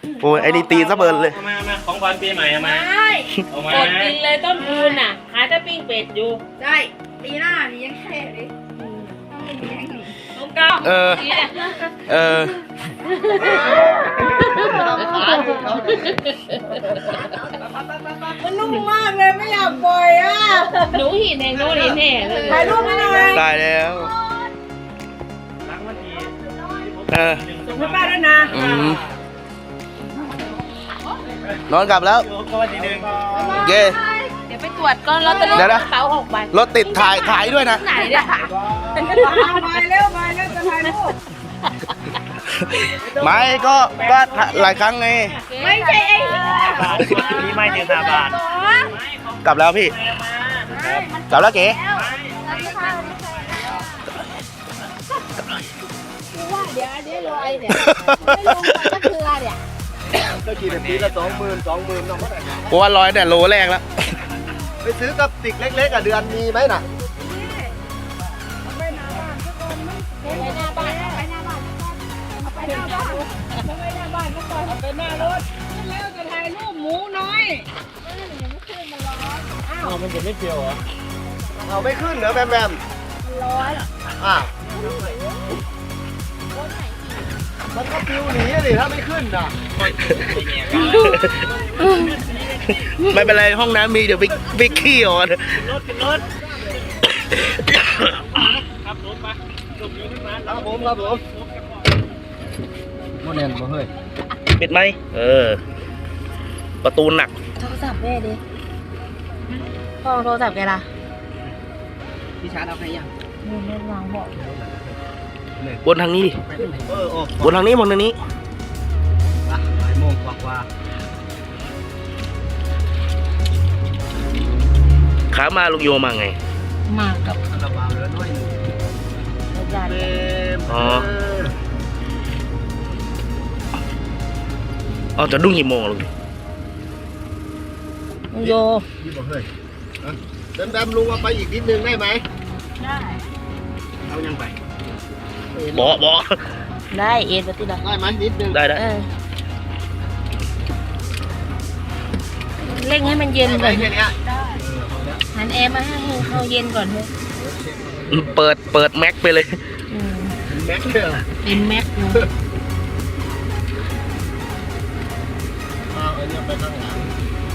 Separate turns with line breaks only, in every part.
โอ้ยไอ้นี่ตีซะเบิร์นเลย
มาของขวัญปีใหม่มา
ใช่
เอามาก
ดกินเลยต้นคูณน่ะขายแต่ปิ้งเป็ดอยู่
ใช่ปีหน้านี่ยังแค่เลยต้องไม่มีแรงหนี
น้องก้าว
มันนุ่มมากเลยไม่อยากปล่อยอ่ะ
หนูหินเองหนูหินแน่เลย
ถ่ายรูปให้หน่อย
ตายแล้ว
รักวันที
ส่งให้ป้าด้วยนะ
นอนกลับแล้ว
ก็วันที่หนึ่ง
โอเค
เดี๋ยวไปตรวจก่อนลอตเตอรี่
เดี๋ยวนะ
กระเป๋า6 ใบ
รถติดถ่ายด้วยนะ
ไหนเนี่ย
ไปเร็วจะถ่ายรูป
ไม่ก็หลายครั้งไง
ไม่ใช่ไอ้
นี่ไม่ถึง5 บาท
กลับแล้วพี่ กลับแล้วเก๋
เดี๋ยวลอยเนี่ยไม่ลงไปก็คือเนี่ย
ก็ขี่แบบนี้ละ20,000น้องก็ได้
เพราะว่าร้อยแต่โลแรกแล้ว
ไปซื้อกับติกเล็กๆอ่ะเดือนมีไหมน่ะ
ไปหน้าบ้านไปหน้าบ้านไปหน้าบ้านไปหน้าบ้านก็ก่อนไปหน้ารถแล้วจะถ่ายรูปหมูน้อย
มันจะไม่เปรี้ยวเหรอ
เอาไม่ขึ้นเหรอแบม
ร้อน
อ่ะมันก็ปิวหนีสิถ้าไม่ขึ้นน่ะ
ไม่เป็นไรห้องน้ำมีเดี๋ยวไปขี้อ่อน
รถครับรถมาลงอยู่ขึ้นมา
ครับผมโมเดลบ่เฮ้ย
ปิดไหมประตูหนัก
โทรศัพท์แม่ดิพ่อโทรศัพท์แกล่ะ
พี่ชาร์จเอาใครยัง
มึงเล่นวางบอก
วนทางนี้ดิ วนทางนี้วนทางนี้
บ่ายโมงกว่า
ขามาลุงโยมาไง
มากับ
คาราบาวเหลือน้อยหนึ่ง
ญาติ
เต็ม
อ๋อ เอาจะดุ้งกี่โมงลุง
ลุงโย
พี่บ่เฮ้ยแบมลุงเอาไปอีกนิดนึงได้ไหม
ได้
เอายังไป
บอ
ได้เอ็นปฏิบัติ
ได้ไหมนิดนึง
ได้
เร่งให้มันเย็น
ได้ไหม
ก่อน
แค่เนี้ย
หันแอร์มาให้เขาเย็นก่อนเถอะ
เปิดแม็กไปเลย
แม็กเลยเหรอ
เต็มแม็กเลย
เอาอันนี้ไปข้างหลัง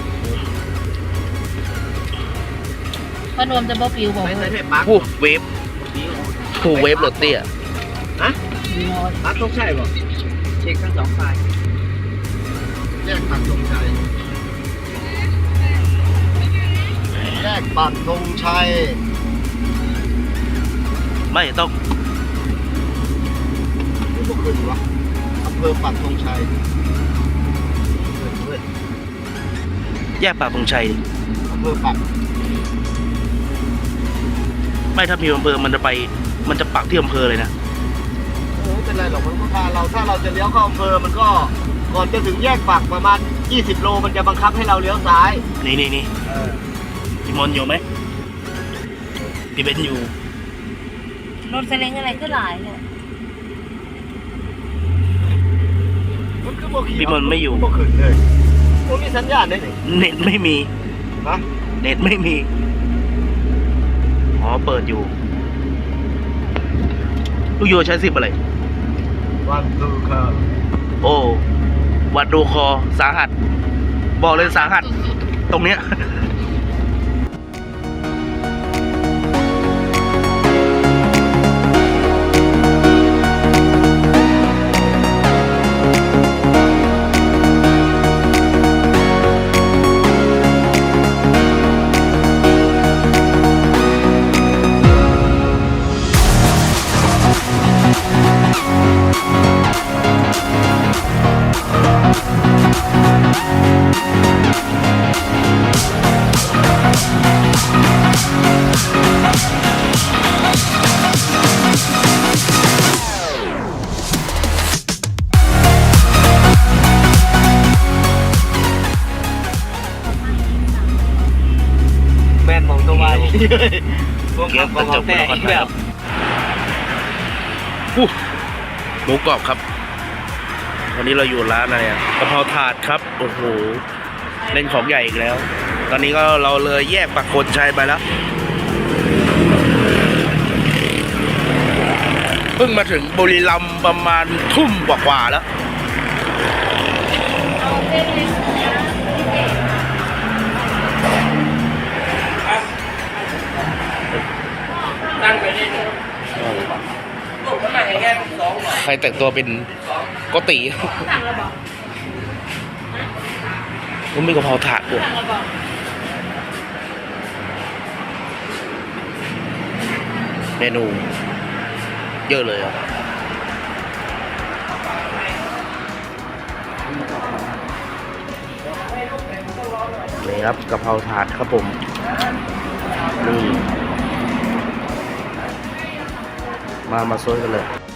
พอนวมจะบ่ปิวบอก
ไม่
เล
ใช่
ย
เทปปัก
เวฟเวฟรถเตี้ย
ฮะปักต้องใช่ป่ะเช็คทั้ง2 ฝ่ายแยกปักธงชัยแยกปักธงชัย
ไม่ต้อง
นี่พวกขึ้นวะอำเภอปักธงชัยเฮ้ย
แยกปากตรงชัย
อำเภอปัก
ไม่ถ้ามีอำเภอมันจะปักที่อำเภอเลยนะ
โอ้ไม่เป็นไรหรอกมันก็พาเราถ้าเราจะเลี้ยวเข้าอำเภอมันก็ก่อนจะถึงแยกปักประมาณ20 โลมันจะบังคับให้เราเลี้ยวซ้าย
นี่พี่มอนอยู่ไหมพี่เบนอยู่
รถเซเลงอะไรก็หลายเลย
มันคือบ่ขี่
พี่มอนไม่อยู่
บ่ขึ้นเลยมันมีสัญญาณได้ไหน
เน็ตไม่มี
ฮะ
เน็ตไม่มี อ๋อ เปิดอยู่ ลูกโยใช้10อะไร
วันคือค่ะ
โอ้ วัดดูคอ สาหัส บอกเลยสาหัส ตรงเนี้ยเก็บกระจกเป็นคนแบบหมูกรอบครับวันนี้เราอยู่ร้านอะไรอ่ะกะเพราถาดครับโอ้โหเล่นของใหญ่อีกแล้ว ตอนนี้ก็เราเลยแยกปักคนชัยไปแล้วเพิ่งมาถึงบุรีรัมย์ประมาณทุ่มกว่าๆแล้ว
ตั้งไปนี่ลูกมันมาอย่างเงี้ยสอง
ใครแต่งตัวเป็นโกติมันมีกะเพราถาดด้วยเมนูเยอะเลยอ่ะนี่ครับกะเพราถาดครับผมนี่มาซดกันเลย